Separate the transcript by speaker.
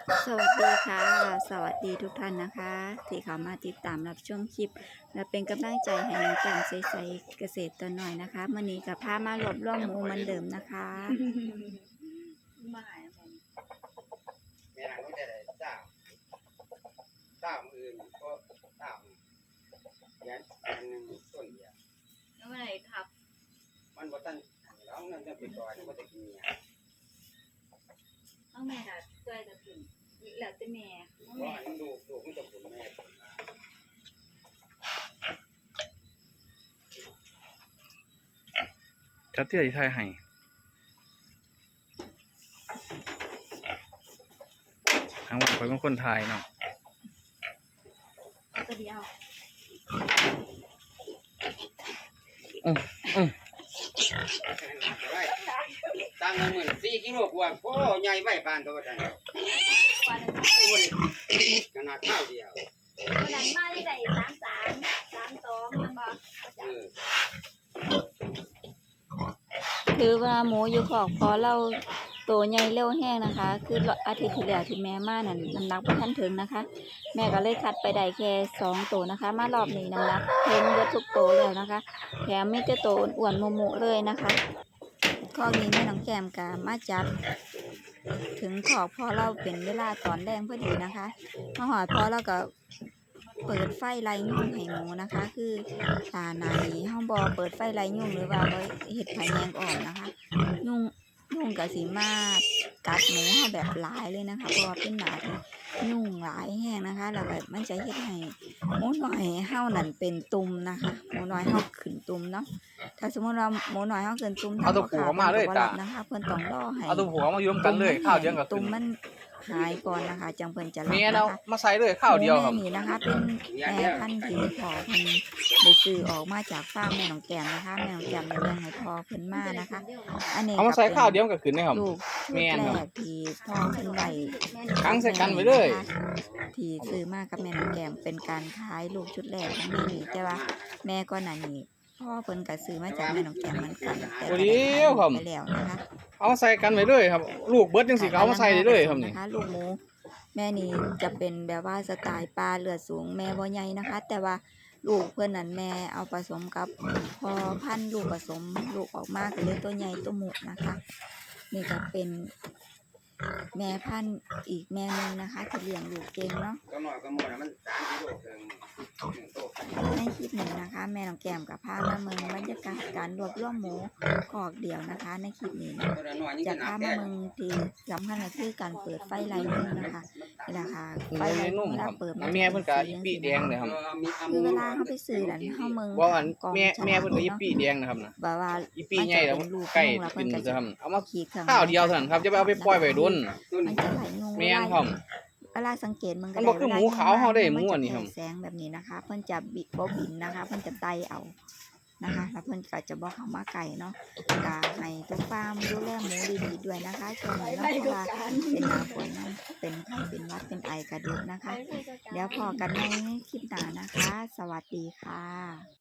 Speaker 1: สวัสดีค่ะสวัสดีทุกท่านนะคะที่เข้ามาติดตามรับชมคลิปและเป็นกำลังใจให้น้องแก้มใสๆเกษตรตัวหน่อยนะคะมื่อนี้กับพามารวบรวมหมูเหมือนเดิมนะคะ
Speaker 2: แม่นางก็จะได้ตามอื่นก็ตามยันอันหนึงต้นเดียว
Speaker 3: แล้วเมื่อไหร่ทับ
Speaker 2: มันบ่ทันร้องนั่นจะไปก่อนมันจะกินเนี่ย
Speaker 3: ต้องแม่ค่ะช่วยกันถึงแล้วแต่แม่ต้อง
Speaker 2: เพราะ
Speaker 3: แม่
Speaker 2: อันนั้นลูกมันจะผลแม่ผลมา
Speaker 4: จัดเตี้ยที่ไทยให้ทางวันไปเป็นคนไทยเนาะ
Speaker 3: ตัวเดียว
Speaker 2: ไว้ตั้งเงินหมื่น4 กิโลกว่าโอ้ใหญ่ไว้ปานตัวนั้น
Speaker 3: วันนั้น
Speaker 2: ขนาดข้าวเดียว
Speaker 3: วันนั้นมาได้33 32มันบอก
Speaker 2: เออ
Speaker 1: คือว่าหมูอยู่ขอกพอเราโตใหญ่เร็วแห้งนะคะ คืออาทิตย์ที่แล้วที่แม่มานั่นน้ำหนักบ่ทันถึงนะคะ แม่ก็เลยคัดไปได้แค่2ตัวนะคะ มารอบนี้น้ำหนักเพิ่มเยอะทุกตัวแล้วนะคะแถมมีแต่ตัวอ้วนๆโมๆเลยนะคะข้อนี้แม่น้องแก้มก็มาจับถึงขอกพอเราเป็นเวลาตอนแรงพอดีนะคะมาหอดพอเราก็เปิดไฟไล่ยุงให้หมูนะคะ คือหนานี้เฮาบ่เปิดไฟไล่ยุงหรือว่าบ่เฮ็ดไผแยงอ่อนนะคะยุงก็สิมากัดหมูเฮาแบบหลายเลยนะคะเพราะว่าเป็นหนาที่ยุงหลายแห้งนะคะแล้วก็มันจะเฮ็ดให้หมูน้อยเฮานั่นเป็นตุ่มนะคะหมูน้อยเฮาขึ้นตุ่มเนาะถ้าสมมุติว่าหมูน้อยเฮาขึ้นตุ่ม
Speaker 4: เอาตัวผูกมาเลยจ้ะ
Speaker 1: นะคะเพิ่นต้องรอให้
Speaker 4: เอาตัวผัวมาอยู่ร่วมกันเลยข้าวเดียวกับ
Speaker 1: ตุ่
Speaker 4: ขึ้
Speaker 1: ม
Speaker 4: น
Speaker 1: มันหายก่อนนะคะจังเพิ่นจะรับ
Speaker 4: เมีย
Speaker 1: นะ
Speaker 4: เรา
Speaker 1: คะ
Speaker 4: มาใส่เลยข้าวเดียวครับ
Speaker 1: หมูแม่นี่นะคะ เป็นแม่พันธุ์ที่พ่อเพิ่นได้ซื้อออกมาจากฟาร์มแม่น้องแก้มนะคะแม่น้องแก้มได้เลี้ยงให้พ่อเพิ่นมานะคะ อันนี้
Speaker 4: เอามาใส่ข้าวเดียวกับขึ้นนะครับ
Speaker 1: ลูก
Speaker 4: แม่น
Speaker 1: แร
Speaker 4: ครับ
Speaker 1: กที่พ่อเพิ่นไว้
Speaker 4: ค้างใส่กันไว้เลย
Speaker 1: ที่ซื้อมากับแม่น้องแก้มเป็นการขายลูกชุดแรกของแม่นี่แต่ว่าแม่ก่อนหน้านี้พ่อเพิ่นก็ซื้อมาจากแม่น้องแก้มเหมือนกันแต่ก็ได้ขายไปแล้วนะคะ
Speaker 4: เอามาใส่กันไว้เลยครับ ลูกเบิดจังสิก็เอามาใส่ได้เลยครับนี่
Speaker 1: ลูกหมูแม่นี่จะเป็นแบบว่าสไตล์ปลาเลือดสูงแม่บ่ใหญ่นะคะ แต่ว่าลูกเพื่อนนั้นแม่เอาผสมกับพอพันธุ์ลูกผสมลูกออกมาก็เลยตัวใหญ่ตัวหมุนะคะนี่ก็เป็นแม่พันธุ์อีกแม่นึงนะคะที่เลี้ยงลูกเก่งเนาะ
Speaker 2: ก็น้อยก็หมดมัน3 กิโลครึ่ง1โต
Speaker 1: ในคลิปนี้นะคะ แม่น้องแก้มกับพามาเมืองบรรยากาศการรวบรวมหมูคอกเดียวนะคะ ในคลิปนี้นะ
Speaker 2: ตัวน้อยนี่
Speaker 1: จะ
Speaker 2: ก็หนั
Speaker 1: พาก มา
Speaker 2: แก่
Speaker 1: เมืองที่สำคัญก็คือการเปิดไฟไล่ยุงนะคะนี่แหละค่ะไฟ
Speaker 4: ไฟ
Speaker 1: ไล่
Speaker 4: นุ่
Speaker 1: ยุ
Speaker 4: ม
Speaker 1: ง
Speaker 4: ครับ
Speaker 1: เปิด
Speaker 4: แม่เพิ่นก็อีปีแดงเลยครับ
Speaker 1: คือเวลาเขาไปซื้อนั่นเขาเมือง
Speaker 4: ว่าอัน
Speaker 1: กอง
Speaker 4: แม่เพิ่นก็อี
Speaker 1: เนาะ
Speaker 4: ปีแดงนะครับนะ
Speaker 1: แบบว่า
Speaker 4: อีปีใหญ่แล้วใกล้กินจะทำเอามา
Speaker 1: ขีดเครื่อง
Speaker 4: ข้าวเดียวเท่านั้นครับจะไปเอาไปปล่อยไว้ดุน
Speaker 1: มันจะไหลงง
Speaker 4: แม่นครับ
Speaker 1: เวลาสังเกตมันก็
Speaker 4: มันบ่คือหมูขาวเฮาได้หมูอันนี้ครับ
Speaker 1: มัจะแสงแบบนี้นะคะ เพิ่นจะบินนะคะ เพิ่นจะไต่เอานะคะแล้วเพิ่นก็จะบอกเขามาไก่เนาะก็ให้ทุกฟาร์มดูแลหมูดีๆด้วยนะคะช่วงนี้เนาะเพราะว่าเป็นหน้าฝนนะเป็นไข้เป็นหวัดเป็นไอกระดูกนะคะ เดี๋ยวพอกันในคลิปหน้านะคะ สวัสดีค่ะ